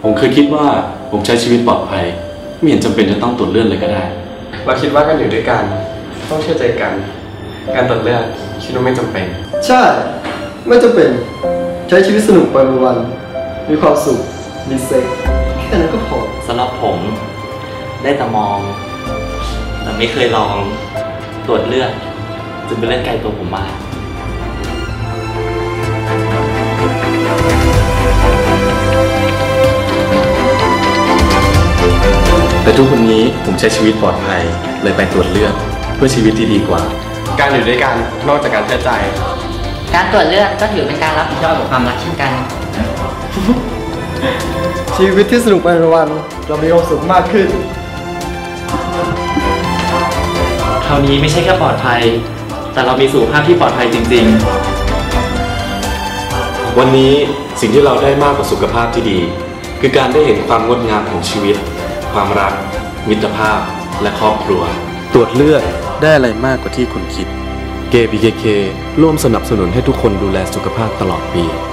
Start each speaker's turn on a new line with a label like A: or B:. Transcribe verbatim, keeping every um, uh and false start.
A: ผมเคยคิดว่าผมใช้ชีวิตปลอดภัยไม่เห็นจำเป็นจะต้องตรวจเลือดเลยก็ได้
B: เราคิดว่าการอยู่ด้วยกันต้องเชื่อใจกันการตรวจเลือดคิดว่าไม่จำเป็น
C: ใช่ไม่จำเป็นใช้ชีวิตสนุกไปวันๆมีความสุขมีเซ็กแค่นั้นก็พอ
D: สำหรับผมได้แต่มองแต่ไม่เคยลองตรวจเลือดจึงเป็นเรื่องไกลตัวผมมาก
A: แต่ทุกวันนี้ผมใช้ชีวิตปลอดภัยเลยไปตรวจเลือดเพื่อชีวิตที่ดีกว่า
B: การอยู่ด้วยกันนอกจากการเชื่อใจ
E: การตรวจเลือดก็ถือเป็นการรับผิดชอบกับความรักเช่นกัน
C: ชีวิตที่สนุกไปวันๆเรามีความสุขมากขึ้น
D: คราวนี้ไม่ใช่แค่ปลอดภัยแต่เรามีสุขภาพที่ปลอดภัยจริง
A: ๆวันนี้สิ่งที่เราได้มากกว่าสุขภาพที่ดีคือการได้เห็นความงดงามของชีวิตความรักมิตรภาพและครอบครัวตรวจเลือดได้อะไรมากกว่าที่คุณคิด เก บี เค เค ร่วมสนับสนุนให้ทุกคนดูแลสุขภาพตลอดปี